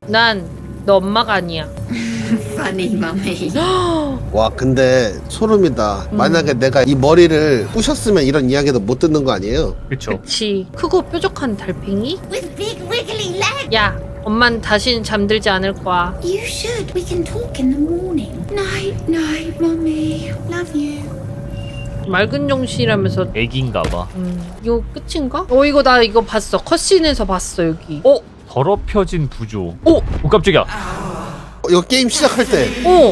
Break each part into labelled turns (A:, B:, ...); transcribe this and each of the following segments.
A: 난 너 엄마가 아니야.
B: Funny, mummy.
C: 와 근데 소름이다. 만약에 내가 이 머리를 부셨으면 이런 이야기도 못 듣는 거 아니에요?
D: 그쵸.
A: 그치. 크고 뾰족한 달팽이?
B: With big wiggly legs.
A: 야, 엄만 다시는 잠들지 않을 거야.
B: You should. We can talk in the morning. Night, night, mummy. Love you.
A: 맑은 정신이라면서.
D: 애기인가봐.
A: 이거 끝인가? 이거 나 이거 봤어. 컷신에서 봤어 여기.
D: 더럽혀진 부조. 오 깜짝이야.
C: 이거 게임 시작할 때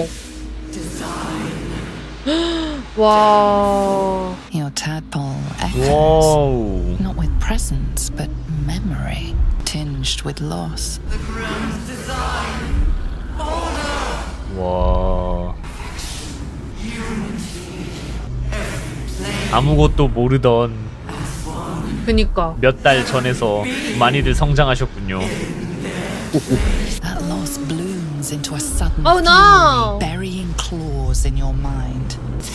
A: 와.
E: Your tadpole echoes,
D: 와우.
E: not with presence, but memory, tinged with loss.
D: 와. 아무것도 모르던
A: 그니까.
D: 몇 달 전에서 많이들 성장하셨군요.
E: That loss blooms into a sudden
A: Oh, no.
E: fury, burying claws in your mind.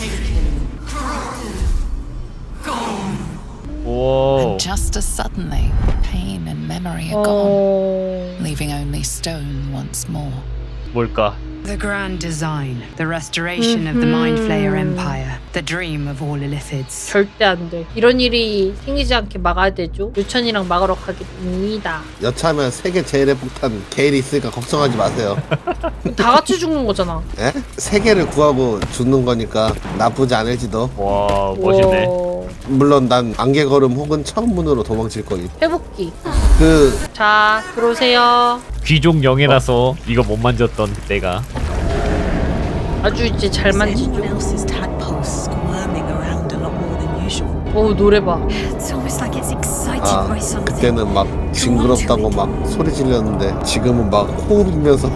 D: 오.
E: And just as suddenly, pain and memory are gone, leaving only stone once more.
D: 뭘까?
F: The grand design, the restoration of the Mind Flayer Empire, the dream of all Illithids.
A: 절대 안 돼. 이런 일이 생기지 않게 막아야 되죠. 유천이랑 막으러 가겠습니다.
C: 여차하면 세계 제일의 폭탄 게일이 있으니까 걱정하지 마세요.
A: 다 같이 죽는 거잖아.
C: 에? 세계를 구하고 죽는 거니까 나쁘지 않을지도.
D: 와 멋있네.
A: 와.
C: 물론 난 안개걸음 혹은 천문으로 도망칠 거임.
A: 회복기.
C: 그
A: 자, 들어오세요.
D: 귀족 영예라서 이거 못 만졌던 그때가.
A: 아주 이제 잘 만지죠.
G: else's tadpoles squirming around a lot more than usual.
A: 노래 봐.
G: It's almost like it's excited
C: 아,
G: by something.
C: 그때는 막 징그럽다고 막 소리 질렀는데 지금은 막 호흡 울면서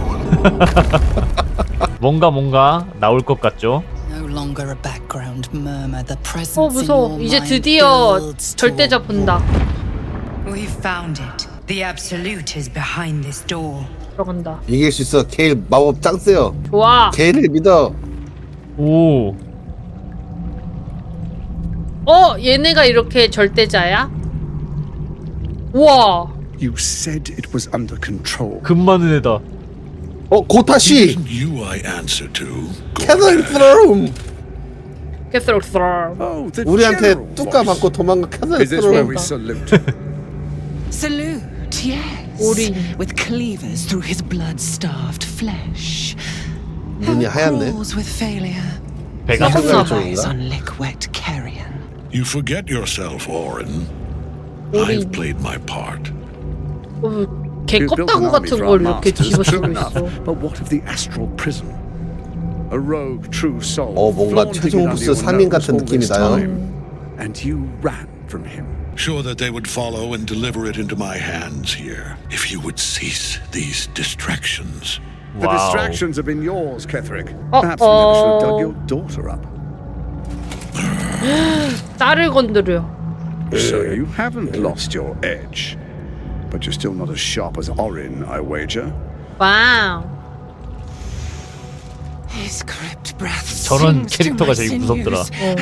D: 뭔가 나올 것 같죠?
E: No longer a background murmur, the presence in
A: 무서워.
E: your
A: 이제
E: mind
A: 드디어
E: builds
A: 절대자
E: toward
A: 본다.
F: We've found it. The Absolute is behind this door.
A: 들어간다.
C: 이길 수 있어. 게일 마법 짱 세요.
A: 좋아.
C: 게일을 믿어.
D: 오.
A: 얘네가 이렇게 절대자야? 우와.
H: You said it was under control.
D: 금 많은 애다.
C: 고타시
I: You I answer to.
C: 캐널 스트롬.
A: 캐스로 스트롬.
H: Oh, the
C: 우리한테
H: general
C: 뚜까
H: voice.
C: 받고 도망가 캐널
H: Is this where
C: 스트롬.
H: we salute?
G: Salute, yes.
A: 우리.
G: With cleavers through his blood-starved flesh.
C: 눈이 하얗네.
G: Crawls with failure.
D: 배가
A: 썩었나
C: 봐.
G: Eyes on lick-wet carrion.
I: You forget yourself, Orin.
A: 우리.
I: I've played my part.
A: 개
H: You've built
A: 껍다구
H: an army
A: 같은
H: for
A: 걸
H: our
A: 이렇게
H: masters,
A: 집어쓰고
H: true enough.
A: 있어.
H: But what of the astral prison? A rogue true soul.
C: 뭔가
H: flaunting
C: 최종
H: it
C: 보스
H: under your
C: 3인
H: nose
C: 같은
H: all
C: 느낌이
H: this
C: 나요.
H: time. And you ran from him.
I: Sure that they would follow and deliver it into my hands here. If you would cease these distractions.
H: The
D: 와우.
H: distractions have been yours, Ketherick. Perhaps we never should have dug your daughter up.
A: 딸을 건드려.
H: So you haven't lost your edge. But you're still not as sharp as Orin, I wager.
A: 와우.
G: His crypt breath
D: 저런
G: sings to
D: 캐릭터가
G: my
D: 제일 무섭더라.
G: sinews.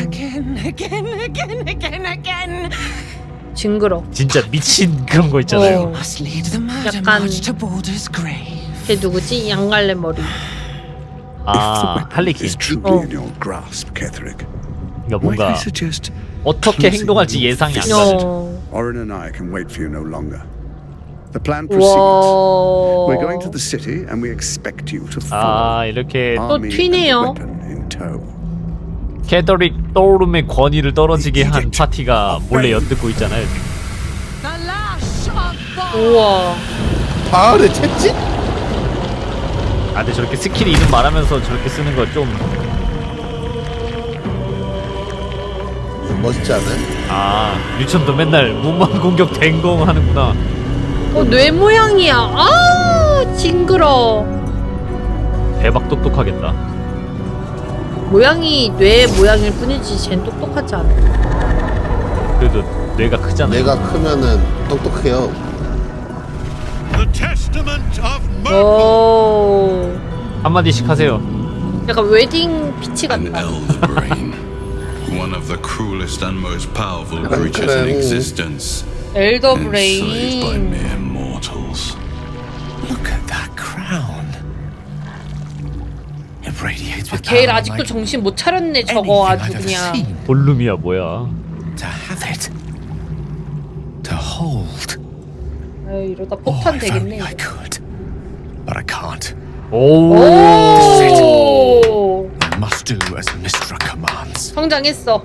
G: Again.
A: 징그러.
D: 진짜 미친 그런 거 있잖아요.
G: Must lead the murder
A: 약간-
G: march to Baldur's grave.
A: 걔 누구지? 양갈래 머리.
D: 아 할리퀸.
H: Is truly in your grasp, Ketherick.
D: 그러니까
H: Might I
D: 뭔가
H: suggest
D: 어떻게 행동할지 예상이 안 가죠.
H: Orin and I can wait for you no longer. The plan proceeds. We're going to
A: 와.
H: the city and we expect you to follow.
D: 아 이렇게
A: 또
H: Army and
A: 튀네요.
H: weapon in tow.
D: 캐더릭 떠오름의 권위를 떨어지게 한 파티가 몰래 엿듣고 있잖아요. 지금.
A: 우와.
C: 가을에 채찍?
D: 아 근데 저렇게 스킬 이름 말하면서 저렇게 쓰는 거 좀
C: 멋있지 않아요?
D: 아 유천도 맨날 무만 공격 댕공 하는구나.
A: 뇌 모양이야. 아, 징그러.
D: 대박 똑똑하겠다.
A: 모양이 뇌 모양일 뿐이지 쟨 똑똑하지 않아.
D: 그래도 뇌가 크잖아요.
C: 내가 크면은 똑똑해요.
I: The testament of
A: 오.
D: 한마디씩 하세요.
A: 약간 웨딩 피치
J: An
A: 같다.
J: elder brain. One of the cruelest and most powerful creatures in existence.
A: 엘더
J: Enslaved by
A: 브레인.
J: mere mortals.
H: Look at that
K: radiates
A: 아,
K: with
A: 게일
K: power
A: 아직도
K: like
A: 정신 못 차렸네
K: anything
A: 저거 아주
K: I've ever
A: 그냥.
K: seen.
D: 볼룸이야 뭐야.
K: To have it, to hold.
A: 아유, 이러다
K: Oh,
A: 폭탄
K: if
A: 되겠네.
K: only I could, but I can't.
D: 오.
A: 오.
K: I must do as Mystra commands.
A: 성장했어.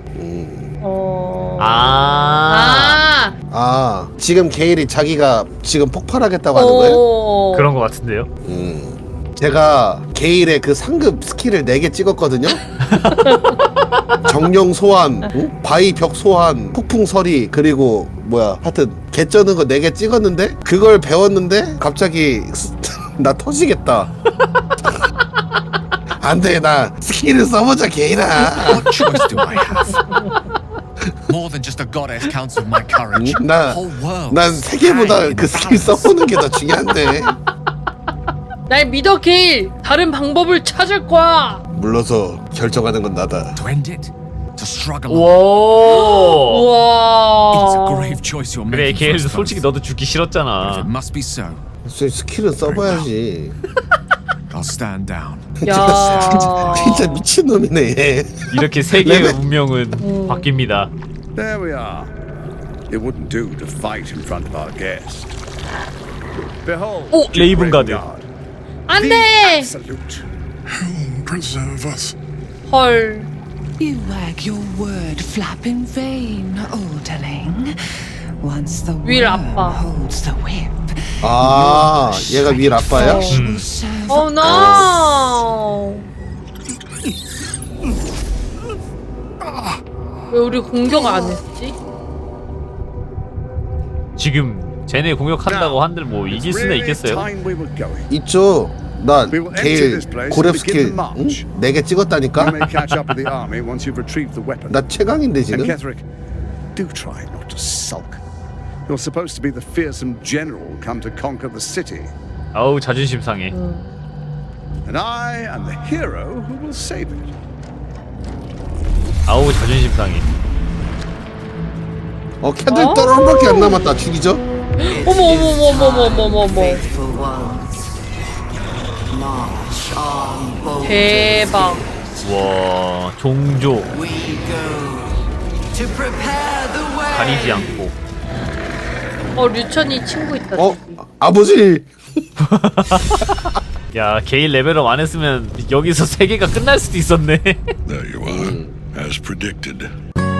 D: 아.
A: 아.
C: 지금 게일이 자기가 지금 폭발하겠다고 하는 거예요?
A: 오.
D: 그런 것 같은데요.
C: 제가 게일의 그 상급 스킬을 4개 찍었거든요. 정령 소환, 바위 벽 소환, 폭풍 서리, 그리고 뭐야 하여튼 개 쩌는 거 4개 찍었는데 그걸 배웠는데 갑자기 나 터지겠다. 안돼, 나 스킬을 써보자 게일아.
K: What choice do I have? More than just a goddess counts with my courage. Whole world.
C: 난 세계보다 그 스킬 써보는 게 더 중요한데.
A: 날 믿어 게일. 다른 방법을 찾을 거야.
C: 물러서 결정하는 건 나다.
K: To end it, to struggle. on.
D: 오.
K: It's a
A: 우와.
K: grave choice you're
D: 그래
K: making.
D: 게일
K: for us
D: 솔직히
K: both.
D: 너도 죽기
K: But if
D: 싫었잖아.
K: it must be so,
C: 스킬은 써봐야지.
K: I'll stand down.
A: 야.
C: 진짜 미친놈이네 얘.
D: 이렇게 세계의
C: 레벨.
D: 운명은 바뀝니다.
H: There we are. It wouldn't do to fight in front of our guest. Behold,
D: 오, 레이븐 가드.
A: 안
H: the
A: 돼.
H: absolute.
I: Preserve us.
A: 헐.
F: You wag your word flap in vain, Alderling. Once the
A: 윌
F: worm
A: 아빠.
F: holds the whip,
C: 아, 얘가 윌 아빠야?
F: will serve
A: 오 노. 왜 우리 공격 안 했지?
D: 지금 쟤네 공격한다고 한들 뭐 이길 수는 있겠어요?
H: Time we were going.
C: 있죠. 나
H: We will enter
C: 게일
H: this place
C: 고렙
H: and begin
C: 스킬
H: the march.
C: 4개 찍었다니까?
H: You may catch up with the army once you've retrieved the weapon.
C: 나 최강인데
H: And
C: 지금?
H: Ketherick, do try not to sulk. You're supposed to be the fearsome general come to conquer the city.
D: 아우 자존심 상해.
H: And I am the hero who will save it.
D: 아우 자존심 상해.
C: 캔들 떨어밖에 안 남았다. 죽이죠?
A: 어머 어머 어머 어머 어머 어머 어머. 대박.
D: 와 종조 가리지 않고.
A: 류천이 친구 있다.
C: 어?
A: 저기.
C: 아버지!
D: 야 게일 레벨업 안 했으면 여기서 세계가 끝날 수도 있었네.
I: There you are, as predicted.